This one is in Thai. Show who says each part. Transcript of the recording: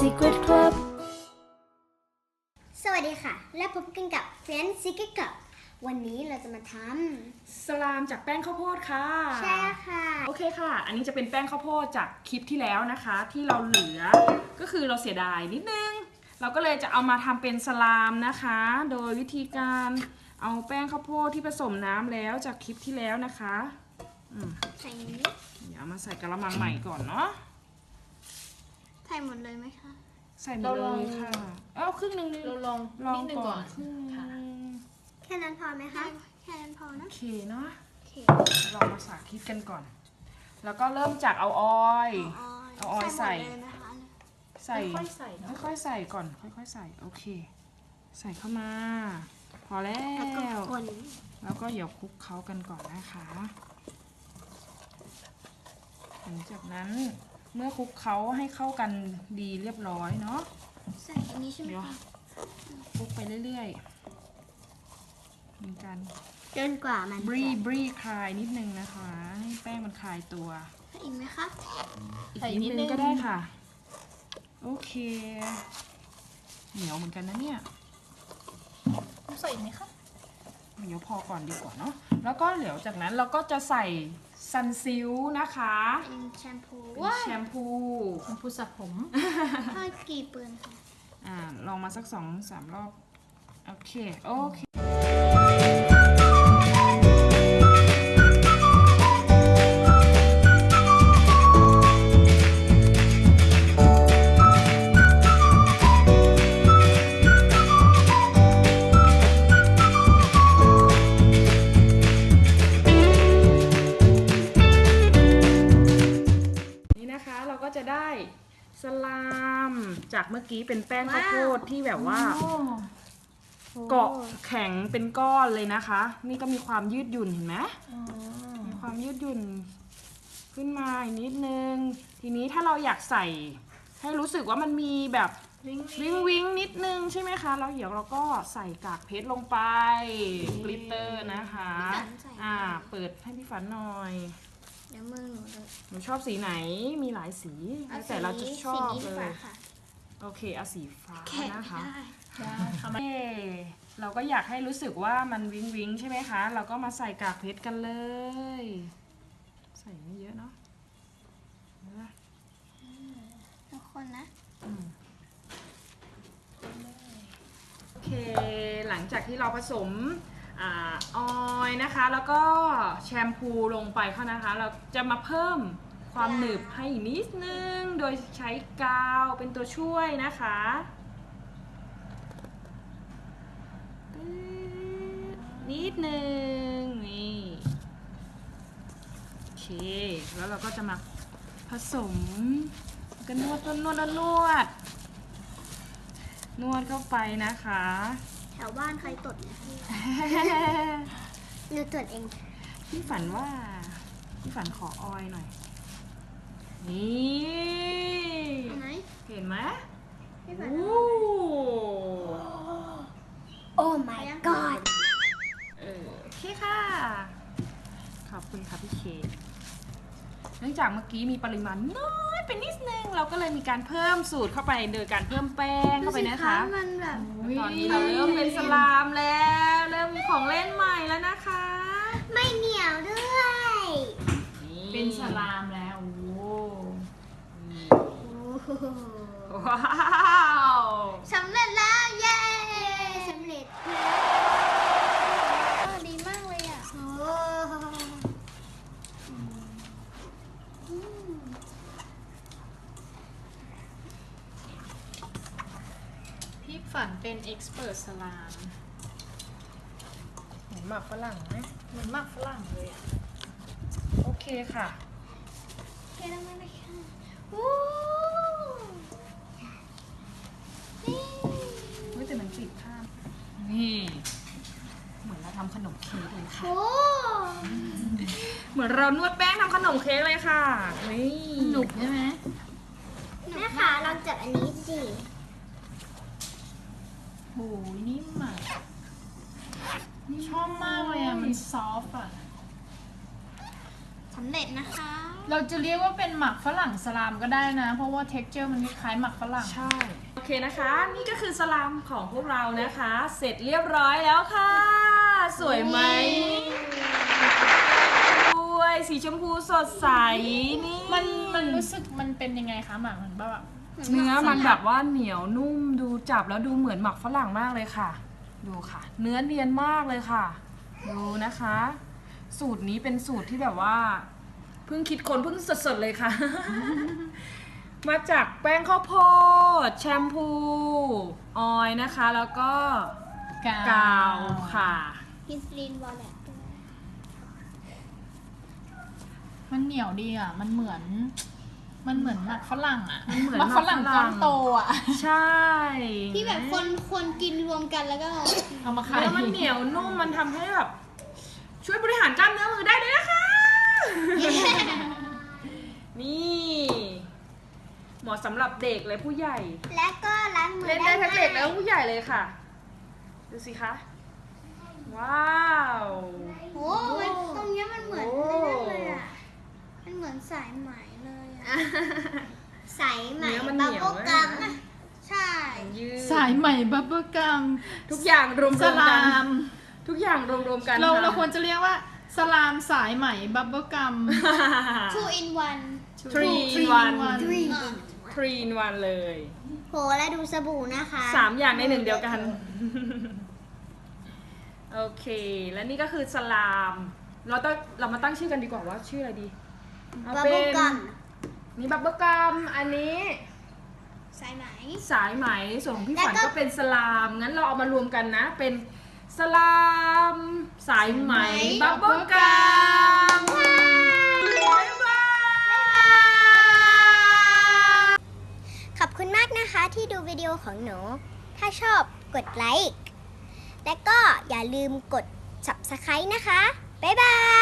Speaker 1: Secret Club
Speaker 2: สวัสดีค่ะและพบกันกับ Friends Secret Club วันนี้เราจะมาทำ
Speaker 3: สลามจากแป้งข้าวโพดค่ะ
Speaker 2: ใช่ค่ะ
Speaker 3: โอเคค่ะอันนี้จะเป็นแป้งข้าวโพดจากคลิปที่แล้วนะคะที่เราเหลือก็คือเราเสียดายนิดนึงเราก็เลยจะเอามาทำเป็นสลามนะคะโดยวิธีการเอาแป้งข้าวโพดที่ผสมน้ำแล้วจากคลิปที่แล้วนะคะ
Speaker 2: ใส่นี้
Speaker 3: เดี๋ยวเอามาใส่กระมังใหม่ก่อนเนาะ
Speaker 2: ใส่หมดเลยไหมคะ
Speaker 3: ใส่หมดเลยค่ะเอาครึ่งนึง
Speaker 1: เราลองนิดนึงก่อน
Speaker 3: ครึ่งนึง
Speaker 2: แค่นั้นพอไหมคะแค่นั้นพอนะ
Speaker 3: โอเคเนาะ
Speaker 2: โอเค
Speaker 3: ลองมาสาธิตกันก่อนแล้วก็เริ่มจากเอาออยล์ใส่
Speaker 1: ค่อยๆใส่
Speaker 3: ค่อยๆใส่ก่อนค่อยๆใส่โอเคใส่เข้ามาพอแล้วแล้วก็เดี๋ยวคลุกเคล้ากันก่อนนะคะหลังจากนั้นเมื่อคลุกเคล้าให้เข้ากันดีเรียบร้อยเนาะ
Speaker 2: ใส่อันนี้ใช่ไหมคะ
Speaker 3: คลุกไปเรื่อยๆมีการ
Speaker 2: จนกว่ามัน
Speaker 3: บรีคลายนิดนึงนะคะให้แป้งมันคลายตัว
Speaker 2: ใส่อีกไหมคะ
Speaker 3: อีกนิดนึงก็ได้ค่ะโอเคเหนียวเหมือนกันนะเนี่ย
Speaker 1: ใส่อีกไหมคะ
Speaker 3: เดี๋ยวพอก่อนดีกว่าเนาะแล้วก็เดี๋ยวจากนั้นเราก็จะใส่ซันซิลนะคะ
Speaker 2: เป็นแชมพู
Speaker 3: แชมพู
Speaker 1: สระผม
Speaker 2: ถ้ากี่เปือนคะ
Speaker 3: ลองมาสัก 2-3 รอบโอเคเราก็จะได้สลามจากเมื่อกี้เป็นแป้งข้าวโพดที่แบบว่าเกาะแข็งเป็นก้อนเลยนะคะนี่ก็มีความยืดหยุ่นเห็นไหมมีความยืดหยุ่นขึ้นมาอีกนิดนึงทีนี้ถ้าเราอยากใส่ให้รู้สึกว่ามันมีแบบวิงนิดนึงใช่ไหมคะแล้วเดี๋ยวเราก็ใส่กากเพชรลงไปกลิตเตอร์นะคะเปิดให้พี่ฝันหน่อย
Speaker 2: เดี๋ยวมือ
Speaker 3: หนูชอบสีไหนมีหลายสีแต่เราจะชอบเลยโอเคเอาสีฟ้านะคะเราก็อยากให้รู้สึกว่ามันวิงใช่ไหมคะเราก็มาใส่กากเพชรกันเลยใส่ไม่เยอะเนาะ
Speaker 2: ทุกคนนะ
Speaker 3: โอเคหลังจากที่เราผสมออยล์นะคะแล้วก็แชมพูลงไปค่ะนะคะเราจะมาเพิ่มความหนึบให้อีกนิดนึงโดยใช้กาวเป็นตัวช่วยนะคะนิดนึงนี่โอเคแล้วเราก็จะมาผสมกันนวดเข้าไปนะคะ
Speaker 2: แถวบ้านใครตดเนี่ยหนูตดเอง
Speaker 3: พี่ฝันขอออยหน่อยนี่เห็นไหม
Speaker 2: โอ้ my god
Speaker 3: โอเคค่ะขอบคุณค่ะพี่เคเนื่องจากเมื่อกี้มีปริมาณน้อยไปนิดนึงเราก็เลยมีการเพิ่มสูตรเข้าไปโดยการเพิ่มแป้งเข้าไปนะคะ
Speaker 2: มันแบบ
Speaker 3: ตอนนี้เราเริ่มเป็นสลามแล้วเริ่มมีของเล่นใหม่แล้วนะคะ
Speaker 2: ไม่เหนียวด้วย
Speaker 1: เป็นสลามแล้ว
Speaker 3: ว้าว
Speaker 2: สำเร็จแล้วเย้สำเร็จดีมากเลยอ่ะ
Speaker 1: พี่ฝันเป็นเอ็กซ์เพิร์ทสลาม
Speaker 3: เหมือนหมักฝรั่งไหม
Speaker 1: เหมือนหมักฝรั่งเลยอ่ะ
Speaker 3: โอเคค่ะ
Speaker 2: โอเคแล้วไหมคะ
Speaker 3: แต่มันติดข้ามนี่เหมือนเราทำขนมเค้กเลยค่ะเหมือนเรานวดแป้งทำขนมเค้กเลยค่ะนี่
Speaker 1: หนุกใช่ไหม
Speaker 2: แม่ค่ะลองจับอันนี้สิ
Speaker 1: โหนิ่มอ่ะชอบมากเลยอ่ะมันซอฟต์อ่ะ
Speaker 2: สำเร็จนะคะ
Speaker 1: เราจะเรียกว่าเป็นหมักฝรั่งสลามก็ได้นะ เพราะว่า texture มันคล้ายๆหมักฝรั่ง
Speaker 3: ใช่ โอเคนะคะ นี่ก็คือสลามของพวกเรานะคะ เสร็จเรียบร้อยแล้วค่ะ สวยไหมด้วยสีชมพูสดใสนี่
Speaker 1: มันรู้สึกมันเป็นยังไงคะหมักมันแบบ
Speaker 3: เนื้อมันแบบว่าเหนียวนุ่มดูจับแล้วดูเหมือนหมักฝรั่งมากเลยค่ะ ดูค่ะ เนื้อเนียนมากเลยค่ะ ดูนะคะ สูตรนี้เป็นสูตรที่แบบว่าเพิ่งคิดคนเพิ่งสดๆเลยค่ะ มาจากแป้งข้าวโพดแชมพูออยล์นะคะ แล้วก็กาวค่ะ
Speaker 2: กินสลีนวอลเล็ต
Speaker 1: มันเหนียวดีอ่ะ มันเหมือนหมักฝรั่งอ่ะ
Speaker 3: มันเหมือน
Speaker 1: หมักฝรั่ง
Speaker 3: หมักฝรั่
Speaker 1: ก้อง นโตอ่ะ
Speaker 3: ใช่
Speaker 2: ที่แบบคนกินรวมกันแล้วก็
Speaker 1: เอามาขาย
Speaker 3: แล้วมันเหนียวนุ่มมันทำให้แบบช่วยบริหารกล้ามเนื้อมือได้เลยนะคะ นี่เหมาะสำหรับเด็กและผู้ใหญ่
Speaker 2: และก็ล้างมือ
Speaker 3: เล่นได้ทั้งเด็กและผู้ใหญ่เลยค่ะ ดูสิคะ ว้าว
Speaker 2: โอ้มันตรงเนี้ยมันเหมือน
Speaker 3: โอ้
Speaker 2: นั่นเลยอ่ะมันเหมือนสายไหมเลยอ่ะสายไหม
Speaker 3: เนื้อมันเห
Speaker 2: บับ
Speaker 3: นียว
Speaker 2: เบิ้ล
Speaker 3: มาก
Speaker 2: กัม
Speaker 3: นะ
Speaker 2: ใช่
Speaker 3: ยืด
Speaker 1: สายใหม่บับเบิ้ลกัม
Speaker 3: ทุกอย่างรวม
Speaker 1: ส
Speaker 3: ๆ
Speaker 1: ลา
Speaker 3: กัน
Speaker 1: ม
Speaker 3: ทุกอย่างรวมๆกัน
Speaker 1: เรา
Speaker 3: ค่ะ
Speaker 1: ควรจะเรียกว่าสลามสายใหม่บับเบิ้ลกัม
Speaker 2: 2 in 1
Speaker 3: Three in one 3 in 1เลย
Speaker 2: โหแล้วดูสบู่นะคะ
Speaker 3: 3 อย่างในหนึ่งเดียวกัน โอเค และนี่ก็คือสลาม เรามาตั้งชื่อกันดีกว่าว่าชื่ออะไรดีเอา
Speaker 2: บับ
Speaker 3: เป็
Speaker 2: เบิ้ล
Speaker 3: น
Speaker 2: กัม
Speaker 3: นี่บับเบิ้ลกัมอันนี้
Speaker 2: สายไหม
Speaker 3: สายไหมส่วนของพี่
Speaker 2: แล้ว
Speaker 3: ฝัน
Speaker 2: ก็
Speaker 3: ก็เป็นสลามงั้นเราเอามารวมกันนะ เป็นสลาม สายไหมบับเบิ้ลกัมบ๊ายบาย
Speaker 2: ขอบคุณมากนะคะที่ดูวิดีโอของหนู ถ้าชอบกดไลค์ และก็อย่าลืมกด Subscribe นะคะ บ๊ายบาย